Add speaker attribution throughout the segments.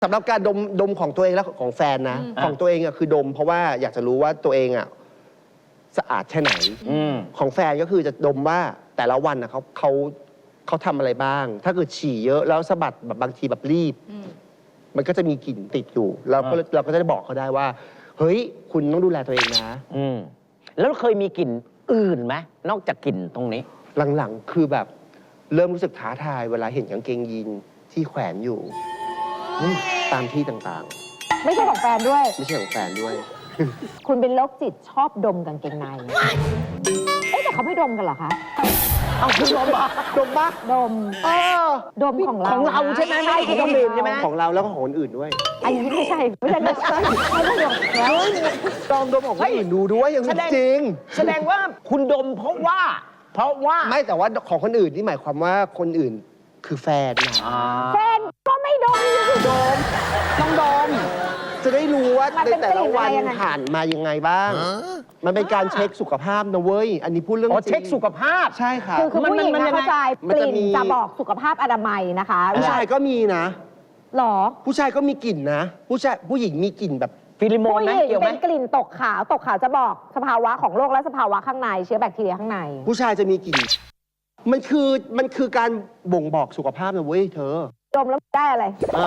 Speaker 1: สำหรับการดมของตัวเองและของแฟนนะของตัวเองอะคือดมเพราะว่าอยากจะรู้ว่าตัวเองอะสะอาดแค่ไหนของแฟนก็คือจะดมว่าแต่ละวันอะเขาทำอะไรบ้าง ถ้าเกิดฉี่เยอะแล้วสะบัดแบบบางทีแบบรีบมันก็จะมีกลิ่นติดอยู่เราก็จะได้บอกเขาได้ว่าเฮ้ยคุณต้องดูแลตัวเองนะ
Speaker 2: แล้วเคยมีกลิ่นอื่นไหมนอกจากกลิ่นตรงนี้
Speaker 1: หลังๆคือแบบเริ่มรู้สึกท้าทายเวลาเห็นกางเกงยีนที่แขวนอยู่ตามที่ต่าง
Speaker 3: ๆไม่ใช่ของแฟนด้วย
Speaker 1: ไม่ใช่ของแฟนด้วย
Speaker 3: คุณเป็นโรคจิตชอบดมกางเกงในแต่เขาไม่ดมกันเหรอคะ
Speaker 2: เอาคุณดมปะ
Speaker 1: ดมปะ
Speaker 3: ดมดมของเรา
Speaker 2: ใช่ไหมไม่ของคนอื่นใช่ไหม
Speaker 1: ของเราแล้วก็ของคนอื่นด้วย
Speaker 3: อันนี้ไม่ใช่ไม่ใช่แล้ว
Speaker 1: ลองดมของคนอื่นดูด้วยอย่างจริง
Speaker 2: แสดงว่าคุณดมเพราะว่า
Speaker 1: ไม่แต่ว่าของคนอื่นนี่หมายความว่าคนอื่นคือแฟนนะ
Speaker 3: แฟนก็ไม่ดม
Speaker 1: ต้องดมจะได้รู้ว่าในแต่ละวันผ่านมายังไงบ้างมันเป็นการเช็คสุขภาพนะเว้ยอันนี้พูดเรื่องจริง
Speaker 2: เช็คสุขภาพ
Speaker 1: ใช่ค่ะ
Speaker 3: คือผู้หญิงเข้าใจกลิ่นจะบอกสุขภาพอนามัยนะคะ
Speaker 1: ผู้ชายก็มีนะ
Speaker 3: หรอ
Speaker 1: ผู้ชายก็มีกลิ่นนะผู้หญิงมีกลิ่นแบบ
Speaker 2: ฟิลิโมนนะเกี่ยวไหม
Speaker 3: เป็นกลิ่นตกขาวจะบอกสภาวะของโรคและสภาวะข้างในเชื้อแบคทีเรียข้างใน
Speaker 1: ผู้ชายจะมีกลิ่นมันคือการบ่งบอกสุขภาพนะเว้ยเธอ
Speaker 3: ดมแล้วได้อะไร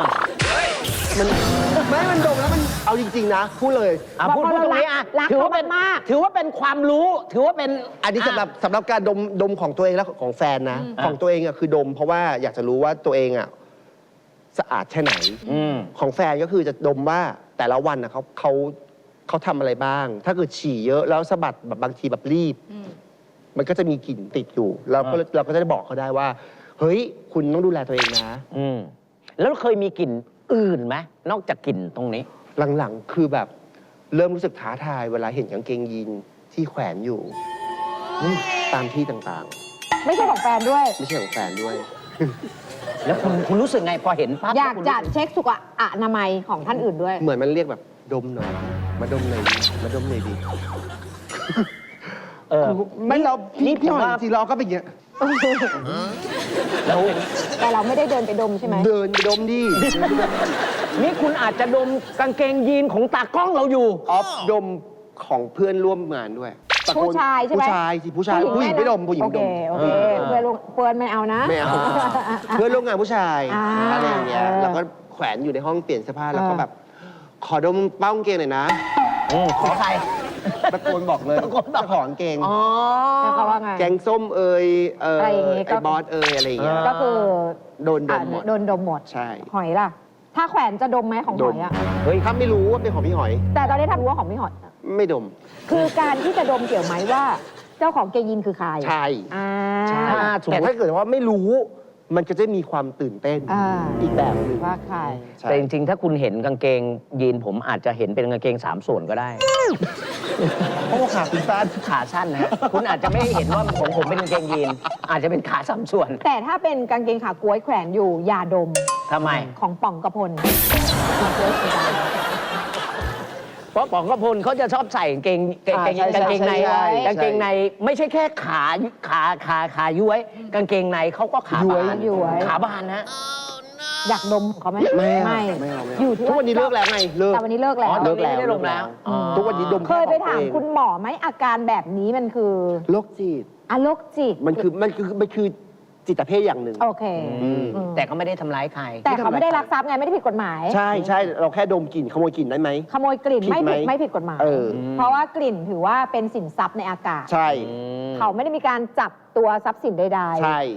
Speaker 1: มันดมแล้วมันเอาจริงๆนะพูดเลย
Speaker 2: พูดตรงนี้ถือว่าเป็นความรู้ถือว่าเป็น
Speaker 1: อันนี้สำหรับการดมของตัวเองและของแฟนนะของตัวเองอะคือดมเพราะว่าอยากจะรู้ว่าตัวเองอะสะอาดแค่ไหนของแฟนก็คือจะดมว่าแต่ละวันอะเขาทำอะไรบ้าง ถ้าเกิดฉี่เยอะแล้วสะบัดแบบบางทีแบบรีบมันก็จะมีกลิ่นติดอยู่เราก็จะได้บอกเขาได้ว่าเฮ้ยคุณต้องดูแลตัวเองนะ
Speaker 2: แล้วเคยมีกลิ่นอื่นไหมนอกจากกลิ่นตรงนี้
Speaker 1: หลังๆคือแบบเริ่มรู้สึกท้าทายเวลาเห็นกางเกงยีนที่แขวนอยู่ตามที่ต่าง
Speaker 3: ๆไม่ใช่ของแฟนด้วย
Speaker 1: ไม่ใช่ของแฟนด้วย
Speaker 2: แล้วคุณรู้สึกไงพอเห็นปั๊บ
Speaker 3: อยากจะเช็คสุขอนามัยของท่านอื่นด้วย
Speaker 1: เหมือนมันเรียกแบบดมหน่อยมาดมหน่อยมาดมหน่อยดีไม่เราพี่หน่อยสิเราก็เป็นอย่างเงี้ย
Speaker 3: แต่เราไม่ได้เดินไปดมใช่ไหม
Speaker 1: เดินไปดมดิ
Speaker 2: นี่คุณอาจจะดมกางเกงยีนของตากล้องเราอยู่
Speaker 1: ดมของเพื่อนร่วมงานด้วย
Speaker 3: ผู้ชายใช่ไหม
Speaker 1: ผู้ชายผู้หญิงไม่ดมผู้หญิงดม
Speaker 3: โอเคเพื่อนไม่เอานะ
Speaker 1: ไม่เอาเพื่อนร่วมงานผู้ชายอะไรอย่างเงี้ยแล้วก็แขวนอยู่ในห้องเปลี่ยนเสื้อผ้าแล้วก็แบบขอดมเป้ากางเกงหน่อยนะ
Speaker 2: ขอใคร
Speaker 1: ตะโกนบอกเลยจะขอกางเกง
Speaker 3: เขาว่าไง
Speaker 1: แกงส้มไอ้บอสอะไรอย่างเงี้ย
Speaker 3: ก็คือ
Speaker 1: โดนดมหมดใช่
Speaker 3: หอยล่ะถ้าแขวนจะดมไหมของหอยอ่ะ
Speaker 1: เฮ้ยถ้าไม่รู้ว่าเป็นของพี่หอย
Speaker 3: แต่ตอนนี้ทำรู้ว่าของพี่หอย
Speaker 1: ไม่ดม
Speaker 3: คือการที่จะดมเกี่ยวไหมว่าเจ้าของเกงยีนคือใคร
Speaker 1: ใช่แต่ถ้าเกิดว่าไม่รู้มันก็จะมีความตื่นเต้นอีกแบบหนึ่ง
Speaker 3: ว่าใคร
Speaker 2: แต่จริงๆถ้าคุณเห็นกางเกงยีนผมอาจจะเห็นเป็นกางเกง3 ส่วนก็ได้
Speaker 1: เพราะว่าขาคุณสั้น
Speaker 2: ขาสั้นนะคุณอาจจะไม่เห็นว่าของผมเป็นกางเกงยีนอาจจะเป็นขา3 ส่วน
Speaker 3: แต่ถ้าเป็นกางเกงขาก๊วยแขวนอยู่อย่าดม
Speaker 2: ทำไม
Speaker 3: ของป๋องกระพล
Speaker 2: เพราะป๋องกระพลเขาจะชอบใส่กางเกงในไม่ใช่แค่ขาย้วยกางเกงในเขาก็ขาบานนะ
Speaker 3: อยากดมเขาไหม
Speaker 1: ไม่
Speaker 3: อยู่ที่
Speaker 1: ทุกวันนี้เลิกแล้วไง
Speaker 3: แต่วันนี้เลิกแล้ว
Speaker 2: ไม่ได้ลงแล้ว
Speaker 1: ทุกวันนี้ดม
Speaker 3: เคยไปถามคุณหมอไหมอาการแบบนี้มันคือ
Speaker 1: โรคจิต
Speaker 3: โรคจิต
Speaker 1: มันคือจิตเภทอย่างหนึ่ง
Speaker 3: โอเค
Speaker 2: แต่เขาไม่ได้ทำร้ายใคร
Speaker 3: แต่เขาไม่ได้ลักทรัพย์ไงไม่ได้ผิดกฎหมาย
Speaker 1: ใช่เราแค่ดมกลิ่นขโมยกลิ่นได้ไหม
Speaker 3: ขโมยกลิ่นไม่ผิดกฎหมายเพราะว่ากลิ่นถือว่าเป็นสินทรัพย์ในอากาศ
Speaker 1: ใช่
Speaker 3: เขาไม่ได้มีการจับตัวทรัพย์สินใดๆ
Speaker 1: ใช่